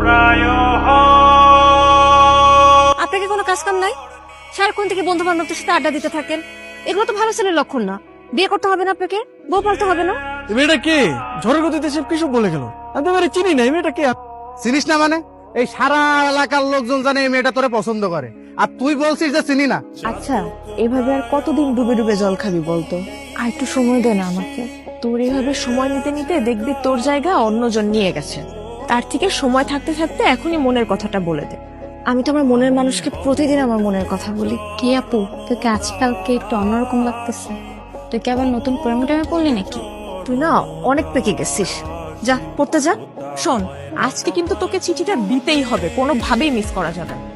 আপনাকে কোনো কাজ কাম নাই? সারাক্ষণ থেকে বন্ধু বান্ধবদের সাথে আড্ডা দিতে থাকেন, এগুলো তো ভালো ছেলের লক্ষণ না। বিয়ে করতে হবে না আপনাকে, বউ পালতে হবে না। এই মেয়েটা কে? ঝড়ের গতিতে সব কিছু বলে গেল। আমি তো মেয়েটা চিনি না। এই মেয়েটা কে? চিনিস না মানে? এই সারা এলাকার লোকজন জানে এই মেয়েটা তোরে পছন্দ করে, আর তুই বলছিস যে চিনি না। আচ্ছা, এভাবে আর কতদিন ডুবে ডুবে জল খাবি বলতো? আর একটু সময় দে না আমাকে। তোর এইভাবে সময় নিতে নিতে দেখবি তোর জায়গা অন্যজন নিয়ে গেছে। তার থেকে সময় থাকতে থাকতে এখনই মনের কথাটা বলে দে। আমি তো আমার মনের মানুষকে প্রতিদিন আমার মনের কথা বলি। কি আপু, তোকে আজকালকে একটু অন্যরকম লাগতেছে। তুই কি আবার নতুন প্রেমে টেমে পড়লি নাকি? তুই না অনেক পেকে গেছিস। যা পড়তে যা। শোন, আজকে কিন্তু তোকে চিঠিটা দিতেই হবে, কোনোভাবেই মিস করা যাবে না।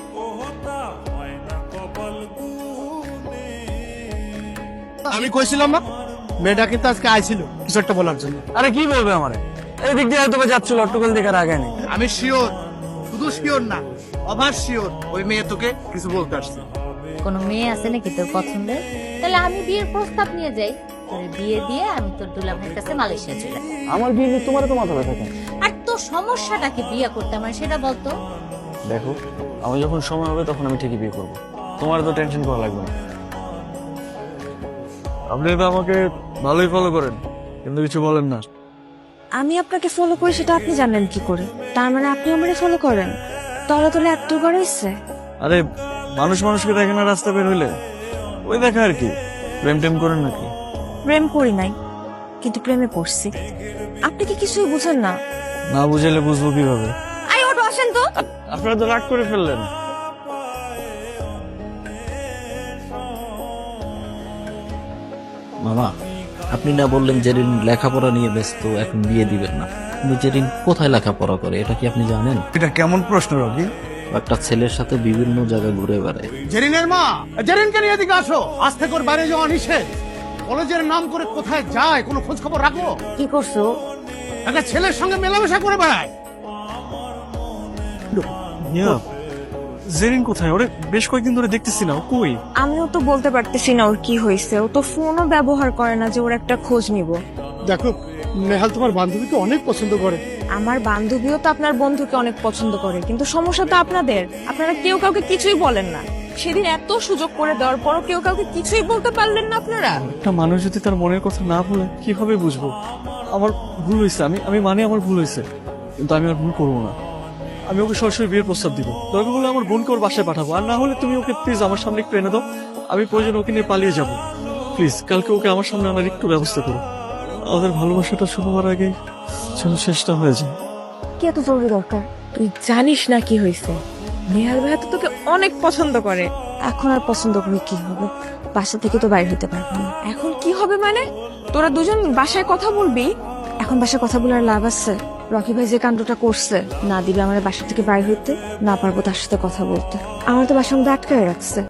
আমি কইছিলাম না মেয়েটা কিন্তু আজকে আইছিল কিছু একটা বলার জন্য। আরে কি বলবে আমারে? এই দিক দিয়ে হয়তো যাচ্ছিল, অট্টকল দেখার আগে নেই। আমি শিওর, শুধু শিওর না, অভার শিওর ওই মেয়ে তোকে কিছু বলতে আসছে। কোনো মেয়ে আছে নাকি তোর পছন্দের? তাহলে আমি বিয়ের প্রস্তাব নিয়ে যাই, তোর বিয়ে দিয়ে আমি তোর দুলাভাইয়ের কাছে মালয়েশিয়া চলে যাই। আমার বিয়ে নিয়ে তোমার তো মাথা ব্যথা কেন? আর তোর সমস্যাটা কি বিয়ে করতে আমার, সেটা বলতো। দেখো, আমি যখন সময় হবে তখন আমি ঠিকই বিয়ে করবো। তোমার তো টেনশন করা লাগবে না। আপনি তো আমাকে ভালোই ফলো করেন, কিন্তু কিছু বলেন না। আমি আপনাকে ফলো করি সেটা আপনি জানেন কি করে? তার মানে আপনি আমারে ফলো করেন? তলে তলে এত করে ইচ্ছে। আরে মানুষ মানুষকে দেখে না রাস্তা বের হইলে? ওই দেখা আর কি। প্রেম টেম করেন নাকি? প্রেম করি নাই, কিন্তু প্রেমে পড়ছি। আপনি কি কিছুই বুঝেন না? না বুঝাইলে বুঝবো কিভাবে? আই ওটো আসেন তো। আপনারা তো রাগ করে ফেললেন। মামা, আপনি না বললেন জেরিন লেখাপড়া নিয়ে ব্যস্ত, এখন বিয়ে দিবেন না। কিন্তু জেরিন কোথায় লেখাপড়া করে এটা কি আপনি জানেন? এটা কেমন প্রশ্ন রবি? একটা ছেলের সাথে বিভিন্ন জায়গায় ঘুরে বেড়ায়। জেরিনের মা, জেরিনকে নিয়ে এদিকে আসো। আজ থেকে ওর বাইরে যাওয়া নিষেধ। কলেজের নাম করে কোথায় যায় কোনো খোঁজ খবর রাখো? কি করছো? একটা ছেলের সঙ্গে মেলামেশা করে বেড়ায়। জেরিন কোথায়? ওরে বেশ কয়েকদিন ধরে দেখতেছি না। ও কই? আমিও তো বলতে পারতেছি না ওর কি হয়েছে। ও তো ফোনও ব্যবহার করে না যে ওর একটা খোঁজ নিব। দেখো, নেহাল তোমার বান্ধবীকে অনেক পছন্দ করে। আমার বান্ধবীও তো আপনার বন্ধুকে অনেক পছন্দ করে, কিন্তু সমস্যা তো আপনাদের। আপনারা কেউ কাউকে কিছুই বলেন না। সেদিন এত সুযোগ করে দেওয়ার পরও কেউ কাউকে কিছুই বলতে পারলেন না আপনারা। একটা মানুষ যদি তার মনের কথা না বলে কিভাবে বুঝবো? আমার ভুল হয়েছে, আমি মানে আমার ভুল হয়েছে, কিন্তু আমি আর ভুল করবো না। আমি ওকে সরাসরি বিয়ের প্রস্তাব দিব। দরকার হলে আমার বোনকে ওর বাসায় পাঠাবো, আর না হলে তুমি ওকে প্লিজ আমার সামনে একটু এনে দাও। আমি প্রয়োজন ওকে নিয়ে পালিয়ে যাব। প্লিজ কালকে ওকে আমার সামনে আনার একটু ব্যবস্থা করো। আমাদের ভালোবাসাটা শুরু হওয়ার আগে যেন শেষটা হয়ে যায়। কি এত জরুরি দরকার? তুই জানিস না কি হয়েছে? নেহাল ভাইয়া তো তোকে অনেক পছন্দ করে। এখন আর পছন্দ করে কি হবে? বাসা থেকে তো বাইরে হতে পারবো না। এখন কি হবে মানে? তোরা দুজন বাসায় কথা বলবি? এখন বাসায় কথা বলার লাভ আছে? রকি ভাই যে কাণ্ডটা করছে, না দিবে আমার বাসা থেকে বাইরে হইতে, না পারবো তার সাথে কথা বলতে। আমার তো বাসার মধ্যে আটকায় রাখছে।